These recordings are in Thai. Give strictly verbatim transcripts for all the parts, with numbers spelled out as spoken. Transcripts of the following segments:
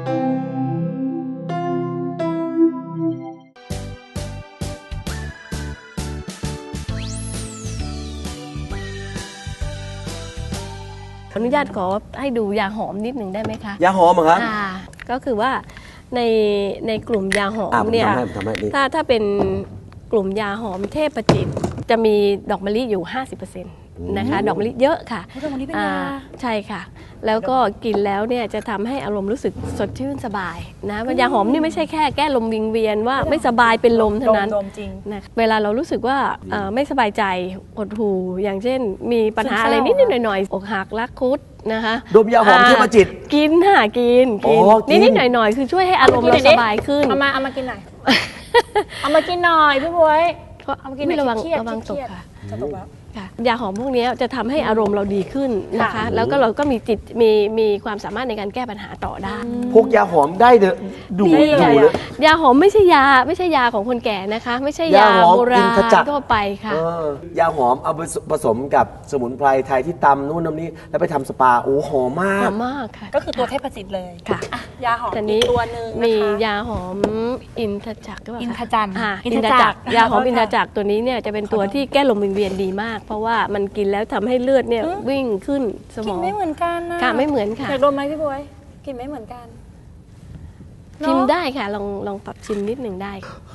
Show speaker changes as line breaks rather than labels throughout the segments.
อนุญาตขอให้ดูยาหอมนิดหนึ่งได้ไหมคะ
ยาหอมเหรอครับ
อ่าก็คือว่าในในกลุ่มยาหอม
อ่ะ
เนี่ย
ผมทำให้ผมทำให้นี่
ถ้าถ้าเป็นกลุ่มยาหอมเทพจิตจะมีดอกมะลิอยู่ ห้าสิบเปอร์เซ็นต์ นะคะดอกมะลิเยอะค่ะ
ดอกมะลิเป็นยา
ใช่ค่ะแล้วก็กินแล้วเนี่ยจะทำให้อารมณ์รู้สึกสดชื่นสบายนะยาหอมนี่ไม่ใช่แค่แก้ลมวิงเวียนว่าไม่สบายเป็นลมเท่านั้น
ดมจริง
นะเวลาเรารู้สึกว่าเอ่อไม่สบายใจหดหู่อย่างเช่นมีปัญหา
ซึมเศร้า
อะไรนิดๆหน่อยๆอกหักรักคุดนะคะ
ดมยาหอมเทพจิต
กินค่ะกิน
อ๋
กิ
อกิน
นิดๆหน่อยๆคือช่วยให้อารมณ์เราสบายขึ้น
เอามาเอามากินหน่อย เอามากินหน่อยพี่บวยเอามากินหน่อย
ระวัง
เครียด
ระวัง
เค
ต
รี
ก
ยด
ค่ะ
จะตกแล้ว
ค่ะยาหอมพวกนี้จะทำให้อารมณ์เราดีขึ้นนะคะ
ค่ะ
แล้วก็เราก็มีจิตมีมีความสามารถในการแก้ปัญหาต่อได้
พวกยาหอมได้เดอะดู
นี่
ดูเลย
ยาหอมไม่ใช่ยาไม่ใช่ยาของคนแก่นะคะ ไม่ใช่ยาย
าหอม
โบรา
อิน
ณ
ทจักร
ทั่วไปค่ะ
เออยาหอมเอาไปผสมกับสมุนไพรไทยที่ตำนู่นน้ำนี้แล้วไปทำสปาโอ้หอมมา
ห
ก
อมมากค่ะ
ก็คือตัวเทพจิตเลย
ค่ะ
อ่ะยาหอม
แต่
อี
นี้
กตัวหนึ่งนะคะ
มียาหอมอินทจักรหรือเปล่าคะ
อินทจักร
อ่า
อิ
อิ
น
น
ท
ท
จั
จั
ก
ก
ร
รยาหอม
ขอโทษ
อินทจักรตัวนี้เนี่ยจะเป็นตัวที่แก้ลมวิงเวียนดีมาก เพราะว่ามันกินแล้วทำให้เลือดเนี่ยวิ่งขึ้นสม
กิน
อง
ไม่เหมือนกันนะ
ค่ะไม่เหมือนค่ะ
อยากดมไหมพี่บวยกินไม่เหมือนกัน
ชิม
เนอะ
ได้ค่ะลองลองปรับชิมนิดหนึ่งได้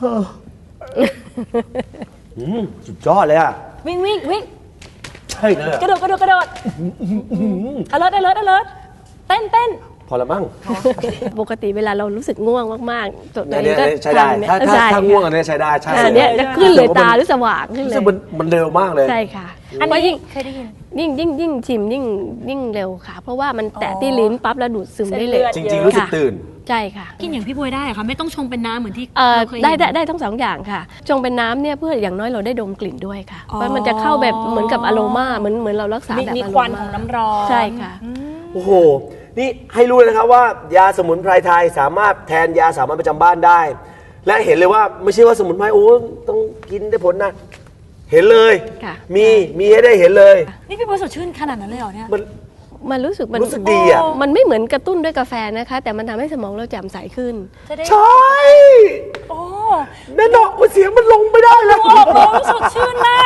อืมสุดยอดเลยอ่ะ
วิ่งวิ่งวิ่ง
ใช่เลย
กระโดดกระโดดกระโดดอเลิร์ดอเลิร์ดอเลิร์ดเต้นเต้น
พอละมั้ง
ปกติเวลาเรารู้สึกง่วงมากๆตัว
เนี่ย
นี้ก็
ใช้ได้
ทนเนี่ย
ถ้าถ้า
ใช่
ถ้าง่วงอันนี้ใช้ได้ใช่
อ่า
เลย
เนี่ยจะขึ้นเลยตาหรือสว่างขึ้น
รู้
เล
สึก
ย
มันมันเร็วมากเลย
ใช่ค่ะ
อัน
เพราะ
นี้
ยิ่ง
เคยได้ยิน
ยิ่งยิ่งยิ่งชิมยิ่งยิ่งเร็วค่ะ เพราะว่ามันแตะที่ลิ้นปั๊บแล้วดูดซึมได้เลย
เส้น
จ
เลือด
ริง ๆ รู้สึกตื่น
ใช่ค่ะ
กินอย่างพี่บวยได้เหรอคะไม่ต้องชงเป็นน้ำเหมือนที่
เอ่อ
เราเคย
ได้
เห็น
ได้ได้ทั้งสองอย่างค่ะจงเป็นน้ำเนี่ยเพื่ออย่างน้อยเราได้ดมกลิ่นด้วยค่ะ
อ๋อ
เพราะมันจะเข้าแบบเหมือนกับอโรมาเหมือนเหมือนเรารักษา
มี
แบบ
มี
อโร
ควัน
มา
ของน้ำร้อน
ใช่ค่ะ
โอ้โห นี่ให้รู้เลยนะครับว่ายาสมุนไพรไทยสามารถแทนยาสามัญประจำบ้านได้ และเห็นเลยว่าไม่ใช่ว่าสมุนไพรโอ้ต้องกินได้ผลนะ เห็นเลย
ค่ะ
มีมีให้ได้เห็นเลย
นี่พี่บวยสดชื่นขนาดนั้นเลยเหรอเนี่ย
มัน
มันรู้สึกมัน
รู้สึกดีอ่ะ
มันไม่เหมือนกระตุ้นด้วยกาแฟนะคะ แต่มันทำให้สมองเราแจ่มใสขึ้น
จะได้
ใช่
โอ้
แน่นอนว่าเสียงมันลงไม่ได้แล้ว
โอ้โหสดชื่นมาก